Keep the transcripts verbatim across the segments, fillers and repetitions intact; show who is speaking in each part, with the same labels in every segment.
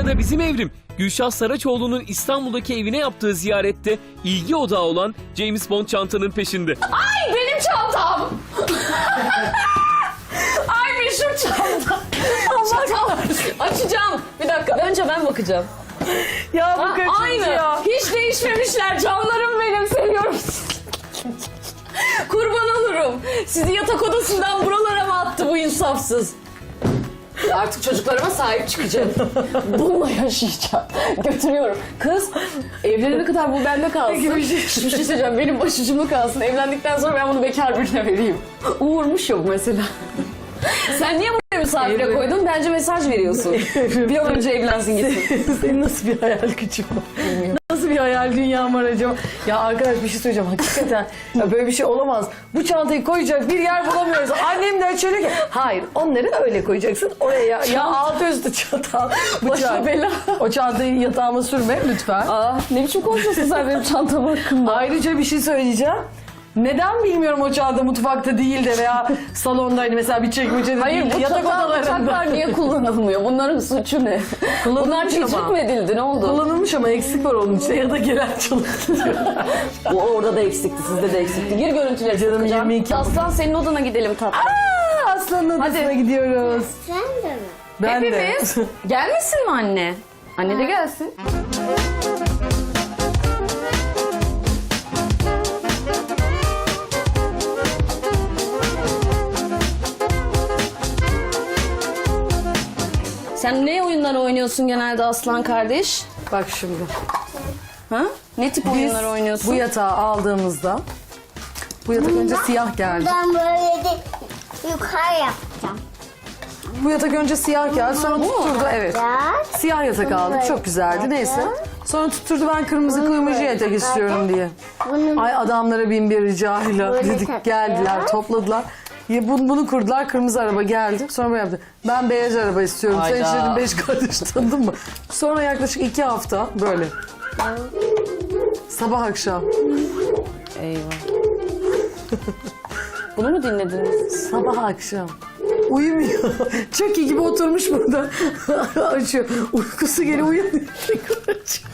Speaker 1: Sıra bizim Evrim. Gülşah Saraçoğlu'nun İstanbul'daki evine yaptığı ziyarette ilgi odağı olan James Bond çantanın peşinde.
Speaker 2: Ay benim çantam. Ay meşhur çantam. Allah kahretsin. Açacağım. Bir dakika. Önce ben bakacağım.
Speaker 3: Ya bu
Speaker 2: Ha,
Speaker 3: kaçıncı
Speaker 2: aynı.
Speaker 3: ya?
Speaker 2: Hiç değişmemişler. Canlarım benim. Seviyorum. Kurban olurum. Sizi yatak odasından buralara mı attı bu insafsız? Artık çocuklarıma sahip çıkacağım. Bununla yaşayacağım. Götürüyorum. Kız evlenene kadar bu bende kalsın.
Speaker 3: Peki bir şey-
Speaker 2: Hiçbir şey söyleyeceğim. Benim başucumda kalsın. Evlendikten sonra ben bunu bekar birine vereyim. Uğurmuş yok mesela. Sen niye buraya misafire
Speaker 3: Evlen-
Speaker 2: koydun? Bence mesaj veriyorsun. Bir an önce evlensin gitsin.
Speaker 3: Senin nasıl bir hayal gücün var? Nasıl bir hayal dünyan var acaba? Ya arkadaş bir şey söyleyeceğim hakikaten. Ya böyle bir şey olamaz. Bu çantayı koyacak bir yer bulamıyoruz. Annem de şöyle ki hayır onları öyle koyacaksın oraya ya. Ya altı üstü çanta.
Speaker 2: Başına bela.
Speaker 3: O çantayı yatağıma sürme lütfen.
Speaker 2: Aa, ne biçim konuşuyorsun sen benim çantam hakkında?
Speaker 3: Ayrıca bir şey söyleyeceğim. Neden bilmiyorum o çanta mutfakta değil de veya salonda hani mesela bir çekmecede
Speaker 2: Hayır
Speaker 3: değil de
Speaker 2: bu
Speaker 3: yatak
Speaker 2: yatak
Speaker 3: odalarında.
Speaker 2: bıçaklar niye kullanılmıyor? Bunların suçu ne?
Speaker 3: Kullanılmış
Speaker 2: Bunlar tecrüt
Speaker 3: ama.
Speaker 2: mü edildi? Ne oldu?
Speaker 3: Kullanılmış ama eksik var onun içinde ya da gelen çalıştı.
Speaker 2: Bu orada da eksikti, sizde de eksikti. Gir görüntüleri
Speaker 3: Canım,
Speaker 2: takacağım.
Speaker 3: yirmi iki.
Speaker 2: Aslan senin odana gidelim tatlım.
Speaker 3: Aa, Aslanın odasına
Speaker 2: Hadi.
Speaker 3: gidiyoruz.
Speaker 4: Sen de mi?
Speaker 3: Ben
Speaker 2: Hepimiz.
Speaker 3: de.
Speaker 2: Gelmesin mi anne? Anne de gelsin. Sen ne oyunlar oynuyorsun genelde Aslan kardeş?
Speaker 3: Bak şimdi.
Speaker 2: Ha? Ne tip
Speaker 3: Biz
Speaker 2: oyunlar oynuyorsun?
Speaker 3: bu yatağı aldığımızda bu yatak önce siyah geldi.
Speaker 4: Ben böyle de yukarı yapacağım.
Speaker 3: Bu yatak önce siyah geldi sonra tutturdu evet.
Speaker 4: Biraz.
Speaker 3: Siyah yatak aldık çok güzeldi neyse. Sonra tutturdu ben kırmızı kuyumcu yatak istiyorum diye.
Speaker 4: Bunu
Speaker 3: Ay adamlara bin bir ricayla
Speaker 4: Böyle
Speaker 3: dedik
Speaker 4: takacağız.
Speaker 3: geldiler topladılar. Ya bunu, bunu kurdular kırmızı araba geldi. Sonra böyle yaptı. Ben beyaz araba istiyorum. Sen
Speaker 2: Hayda.
Speaker 3: işte dedim beş kardeş tanıdın mı? Sonra yaklaşık iki hafta böyle. Sabah akşam.
Speaker 2: Eyvah. Bunu mu dinlediniz?
Speaker 3: Sabah akşam. Uyumuyor. Çeki gibi oturmuş burada. Açıyor. Uykusu geliyor uyanıyor. Tekrar açıyor.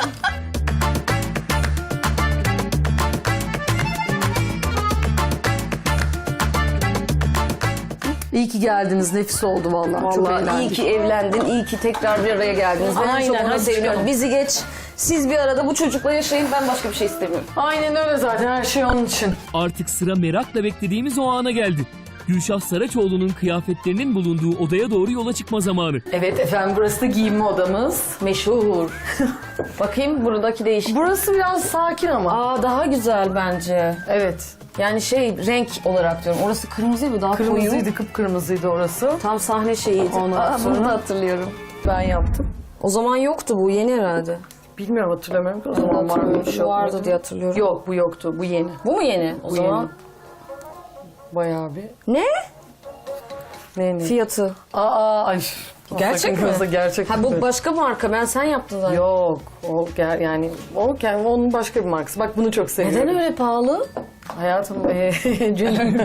Speaker 3: İyi ki geldiniz. Nefis oldu vallahi. Çok
Speaker 2: Vallahi iyi
Speaker 3: eğlendik.
Speaker 2: ki evlendin, iyi ki tekrar bir araya geldiniz. Ben
Speaker 3: Aynen,
Speaker 2: çok ona
Speaker 3: hadi
Speaker 2: seviniyorum.
Speaker 3: çıkalım.
Speaker 2: Bizi geç, siz bir arada bu çocukla yaşayın, ben başka bir şey istemiyorum.
Speaker 3: Aynen öyle zaten. Her şey onun için.
Speaker 1: Artık sıra merakla beklediğimiz o ana geldi. Gülşah Saraçoğlu'nun kıyafetlerinin bulunduğu odaya doğru yola çıkma zamanı.
Speaker 3: Evet efendim burası da giyinme odamız.
Speaker 2: Meşhur. Bakayım buradaki değişik.
Speaker 3: Burası biraz sakin ama.
Speaker 2: Aa daha güzel bence.
Speaker 3: Evet.
Speaker 2: Yani şey renk olarak diyorum. Orası kırmızı mı? Daha koyu.
Speaker 3: Kırmızıydı, kıpkırmızıydı orası.
Speaker 2: Tam sahne şeyiydi.
Speaker 3: Ondan
Speaker 2: Aa,
Speaker 3: sonra-
Speaker 2: bunu da hatırlıyorum.
Speaker 3: Ben yaptım.
Speaker 2: O zaman yoktu bu, yeni herhalde.
Speaker 3: Bilmiyorum hatırlamıyorum ki o zaman var mıymış
Speaker 2: Şu
Speaker 3: yok
Speaker 2: vardı
Speaker 3: muydu?
Speaker 2: diye hatırlıyorum.
Speaker 3: Yok bu yoktu. Bu yeni.
Speaker 2: Bu mu yeni? O
Speaker 3: Bu
Speaker 2: zaman.
Speaker 3: yeni. Bayağı bir.
Speaker 2: Ne?
Speaker 3: Ne ne?
Speaker 2: Fiyatı.
Speaker 3: Aa ay.
Speaker 2: Gerçek
Speaker 3: Sakın
Speaker 2: mi?
Speaker 3: kızı, Gerçek.
Speaker 2: Ha bu
Speaker 3: mi?
Speaker 2: başka marka. Ben sen yaptın zaten.
Speaker 3: Yok. O ger yani o kendi onun başka bir markası. Bak bunu çok seviyorum.
Speaker 2: Neden öyle pahalı?
Speaker 3: Hayatım eee Celil.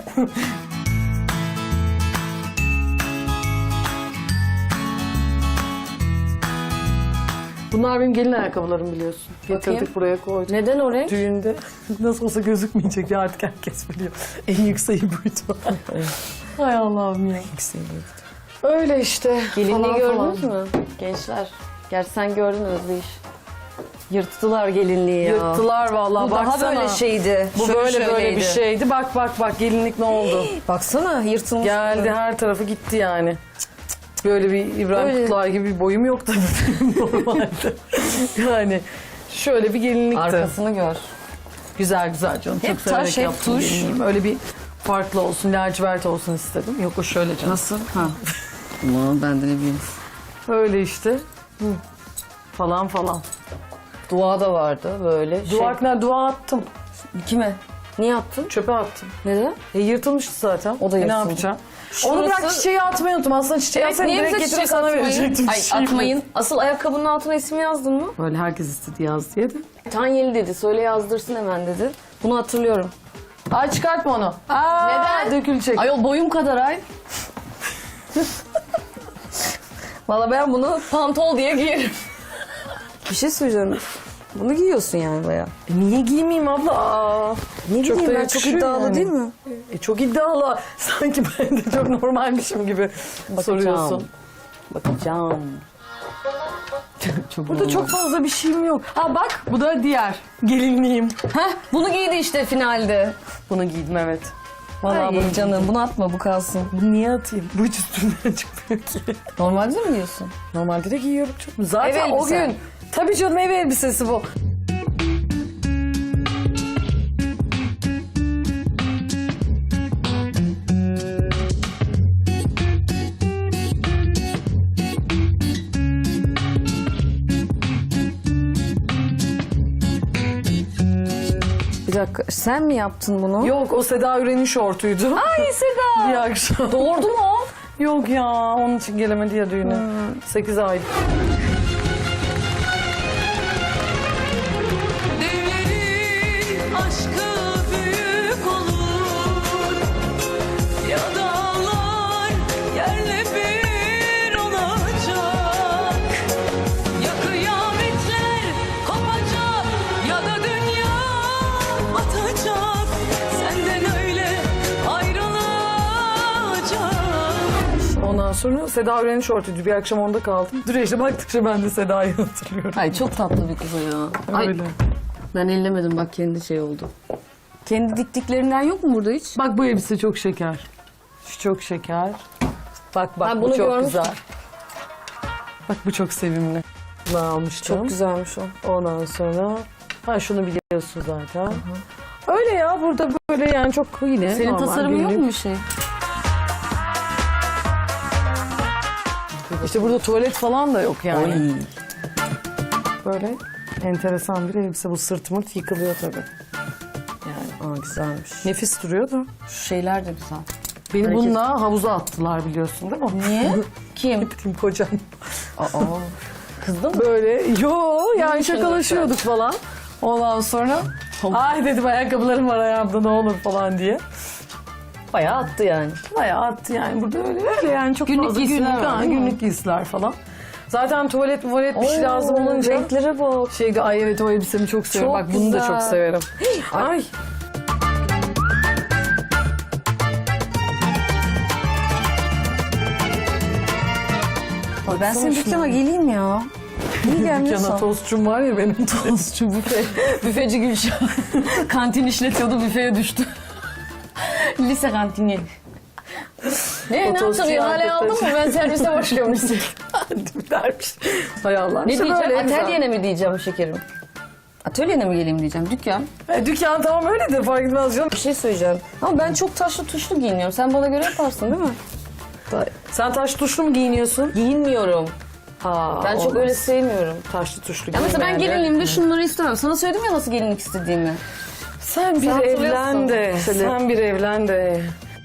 Speaker 3: Bunlar benim gelin ayakkabılarım biliyorsun. Getirdik
Speaker 2: Bakayım.
Speaker 3: buraya koyduk.
Speaker 2: Neden o renk?
Speaker 3: Düğünde nasıl olsa gözükmeyecek ya artık herkes biliyor. En yükseği buydu. Hay Allah'ım ya. Öyle işte.
Speaker 2: Gelinliği
Speaker 3: falan
Speaker 2: gördünüz
Speaker 3: falan.
Speaker 2: mü? Gençler. Gerçi sen gördün Özdeyiş. Yırttılar gelinliği ya.
Speaker 3: Yırttılar vallahi
Speaker 2: Bu daha
Speaker 3: baksana.
Speaker 2: böyle şeydi.
Speaker 3: Bu
Speaker 2: Şöyle
Speaker 3: böyle böyle
Speaker 2: şöyleydi.
Speaker 3: bir şeydi. Bak bak bak gelinlik ne oldu?
Speaker 2: Baksana yırtılmış.
Speaker 3: Geldi her tarafı gitti yani. Böyle bir İbrahim
Speaker 2: Öyle.
Speaker 3: Kutluay gibi bir boyum yok tabii benim normalde. Yani şöyle bir gelinlikti.
Speaker 2: Arkasını gör.
Speaker 3: Güzel güzel canım.
Speaker 2: Hep
Speaker 3: Çok severek
Speaker 2: taş, hep
Speaker 3: yaptım
Speaker 2: tuş.
Speaker 3: gelinliğimi. Öyle bir farklı olsun, lacivert olsun istedim. Yok o şöyle canım.
Speaker 2: Nasıl? Ha. Aman ben de ne bileyim.
Speaker 3: Öyle işte. Hı. Falan falan.
Speaker 2: Dua da vardı böyle.
Speaker 3: Dua, ne, dua attım.
Speaker 2: Şey, kime? Niye attın?
Speaker 3: Çöpe attım.
Speaker 2: Neden?
Speaker 3: E, yırtılmıştı zaten.
Speaker 2: O da
Speaker 3: E, ne
Speaker 2: yırtıldı.
Speaker 3: yapacağım?
Speaker 2: Şurası-
Speaker 3: Onu bırak çiçeği atmayı unuttum. Aslında çiçeği
Speaker 2: Evet,
Speaker 3: atsaydım
Speaker 2: niye
Speaker 3: direkt
Speaker 2: bize
Speaker 3: getirip
Speaker 2: çiçek
Speaker 3: sana
Speaker 2: atmayın?
Speaker 3: verecektim.
Speaker 2: Ay
Speaker 3: Şey
Speaker 2: atmayın. Asıl ayakkabının altına ismi yazdın mı?
Speaker 3: Böyle herkes istedi yaz diye de.
Speaker 2: Tanyeli dedi. Söyle yazdırsın hemen dedi. Bunu hatırlıyorum.
Speaker 3: Ay çıkartma onu. Aa,
Speaker 2: Neden?
Speaker 3: Dökülecek.
Speaker 2: Ayol boyum kadar ay.
Speaker 3: Valla ben bunu
Speaker 2: Pantol diye giyerim.
Speaker 3: bir şey söyleyeceğim. Bunu giyiyorsun yani bayağı.
Speaker 5: E niye giymeyeyim abla? Aa,
Speaker 3: Ne
Speaker 5: çok
Speaker 3: bileyim
Speaker 5: da
Speaker 3: ben çok
Speaker 5: yakışıyor
Speaker 3: iddialı
Speaker 5: yani.
Speaker 3: değil mi?
Speaker 5: E çok iddialı. Sanki ben de çok normalmişim gibi soruyorsun.
Speaker 3: Bakacağım.
Speaker 5: Burada çok fazla bir şeyim yok. Ha bak bu da diğer gelinliğim.
Speaker 2: Heh, bunu giydi işte finalde.
Speaker 5: Bunu giydim evet.
Speaker 3: Valla
Speaker 5: Ay.
Speaker 3: bunu canım bunu atma bu kalsın.
Speaker 5: Bunu niye atayım? Bu hiç üstümden çıkmıyor ki.
Speaker 3: Normalde mi giyiyorsun?
Speaker 5: Normalde de giyiyorum çok. Zaten
Speaker 3: Ev
Speaker 5: o
Speaker 3: elbisen.
Speaker 5: gün. Tabii canım ev elbisesi bu.
Speaker 3: Bir dakika sen mi yaptın bunu?
Speaker 5: Yok o Seda Üren'in şortuydu.
Speaker 3: Ay Seda.
Speaker 5: Bir akşam.
Speaker 2: Doğurdu mu o?
Speaker 5: Yok ya onun için gelemedi ya düğüne. Sekiz ay.
Speaker 6: Devlerin aşkı büyük olur ya dağlar yerle bir olacak ya kıyametler kopacak ya da dünya batacak senden öyle ayrılacak.
Speaker 5: Ondan sonra Seda Üren'in şortuydu. Bir akşam onda kaldım. Dur işte baktıkça ben de Seda'yı hatırlıyorum.
Speaker 3: Ay çok tatlı bir kız o ya. Ay,
Speaker 5: Öyle.
Speaker 3: ben ellemedim bak kendi şey oldu. Kendi diktiklerinden yok mu burada hiç?
Speaker 5: Bak bu elbise çok şeker. Şu çok şeker. Bak bak
Speaker 3: Ben
Speaker 5: bu
Speaker 3: bunu
Speaker 5: çok
Speaker 3: görmüştüm.
Speaker 5: güzel. Bak bu çok sevimli. Bunu almıştım.
Speaker 3: Çok güzelmiş o.
Speaker 5: Ondan sonra ha şunu biliyorsun zaten. Öyle ya burada böyle yani çok yine
Speaker 3: Senin
Speaker 5: normal
Speaker 3: tasarımın yok
Speaker 5: günlük.
Speaker 3: mu bir şey?
Speaker 5: İşte burada tuvalet falan da yok yani. Böyle enteresan bir elbise. Bu sırt mırt yıkılıyor tabii.
Speaker 3: Yani aa güzelmiş.
Speaker 5: Nefis duruyor da.
Speaker 3: Şu şeyler de güzel.
Speaker 5: Beni
Speaker 3: Hareket-
Speaker 5: bununla havuza attılar biliyorsun değil mi?
Speaker 3: Niye? Kim?
Speaker 5: Gittim kocam.
Speaker 3: Aa. Kızdı mı?
Speaker 5: Böyle yo yani şakalaşıyorduk falan. Ondan sonra ay dedim ayakkabılarım var ayağımda ne olur falan diye.
Speaker 3: Bayağı attı yani.
Speaker 5: Bayağı attı yani burada öyle öyle yani çok
Speaker 3: Günlük
Speaker 5: fazla
Speaker 3: giysiler
Speaker 5: günlük,
Speaker 3: var,
Speaker 5: ha,
Speaker 3: değil mi?
Speaker 5: günlük giysiler falan. Zaten tuvalet tuvalet bir şey lazım olunca.
Speaker 3: Renklere bak.
Speaker 5: Şeyde ay evet o elbisemi çok severim.
Speaker 3: Çok
Speaker 5: Bak bunu da
Speaker 3: güzel.
Speaker 5: çok severim. Ay.
Speaker 3: Ay, ben senin dükkana geleyim ya. Niye
Speaker 5: Cana
Speaker 3: gelmiyorsun?
Speaker 5: tostçum var ya benim.
Speaker 3: Tostçu büfe. Büfeci Gülşah. Kantin işletiyordu büfeye düştü. Lise kantini.
Speaker 2: Ne, ne
Speaker 5: Otostçu
Speaker 2: yaptın? İhale aldın mı? Ben servise başlıyormuşsun.
Speaker 5: Dermiş. Hay Allah.
Speaker 3: Ne
Speaker 5: İşte
Speaker 3: diyeceğim?
Speaker 5: böyle güzel.
Speaker 3: Atölyene mi diyeceğim şekerim? Atölyene mi geleyim diyeceğim? Dükkan.
Speaker 5: E, dükkan tamam öyledir fark etmez canım.
Speaker 3: Bir şey söyleyeceğim. Ama ben çok taşlı tuşlu giyiniyorum. Sen bana göre yaparsın değil mi?
Speaker 5: Sen taş tuşlu mu giyiniyorsun?
Speaker 3: Giyinmiyorum.
Speaker 5: Ha,
Speaker 3: Ben çok
Speaker 5: olmaz.
Speaker 3: öyle sevmiyorum.
Speaker 5: Taşlı tuşlu
Speaker 3: Ya mesela ben
Speaker 5: giyinmeye de.
Speaker 3: gelinliğimde şunları istemem. Sana söyledim ya nasıl gelinlik istediğimi.
Speaker 5: Sen bir
Speaker 3: Sen hatırlıyorsun.
Speaker 5: evlen de.
Speaker 3: Şöyle.
Speaker 5: Sen bir evlen de.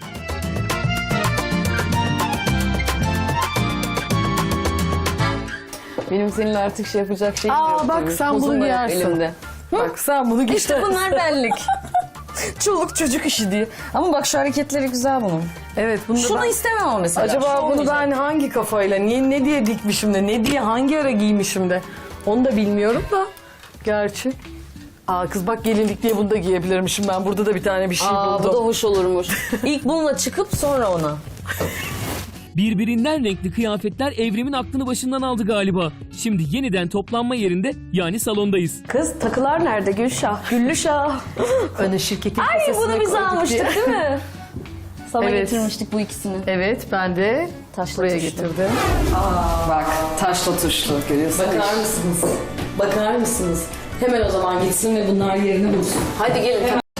Speaker 3: Benim seninle artık şey yapacak şeyim
Speaker 5: Aa,
Speaker 3: yok.
Speaker 5: bak
Speaker 3: tabii.
Speaker 5: sen
Speaker 3: Tozum
Speaker 5: bunu
Speaker 3: var hep
Speaker 5: giyersin.
Speaker 3: elimde.
Speaker 5: Bak sen bunu giy.
Speaker 3: İşte bunlar benlik. Çoluk çocuk işi diye. Ama bak şu hareketleri güzel bunun.
Speaker 5: Evet bunu da
Speaker 3: Şunu
Speaker 5: ben...
Speaker 3: istemem ama mesela.
Speaker 5: Acaba
Speaker 3: Şu
Speaker 5: bunu
Speaker 3: olmayacak.
Speaker 5: ben hangi kafayla, niye ne diye dikmişim de, ne diye hangi ara giymişim de onu da bilmiyorum da. Gerçi. Aa kız bak gelinlik diye bunu da giyebilirmişim ben. Burada da bir tane bir şey
Speaker 3: Aa, bu
Speaker 5: buldum.
Speaker 3: da hoş olurmuş. İlk bununla çıkıp sonra ona.
Speaker 1: Birbirinden renkli kıyafetler Evrim'in aklını başından aldı galiba. Şimdi yeniden toplanma yerinde yani salondayız.
Speaker 2: Kız takılar nerede Gülşah? Güllüşah.
Speaker 5: Öne şirketin
Speaker 2: Ay
Speaker 5: kasasına
Speaker 2: bunu biz
Speaker 5: koyduk
Speaker 2: almıştık
Speaker 5: diye.
Speaker 2: değil mi?
Speaker 3: Sana
Speaker 5: Evet.
Speaker 3: getirmiştik bu ikisini.
Speaker 5: Evet ben de
Speaker 3: Taşla
Speaker 5: buraya
Speaker 3: tuşlu.
Speaker 5: getirdim.
Speaker 3: Bak taşla tuşlu görüyorsun. Bakar mısınız? Bakar mısınız? Hemen o zaman gitsin ve bunlar yerini bulsun.
Speaker 2: Hadi gelin.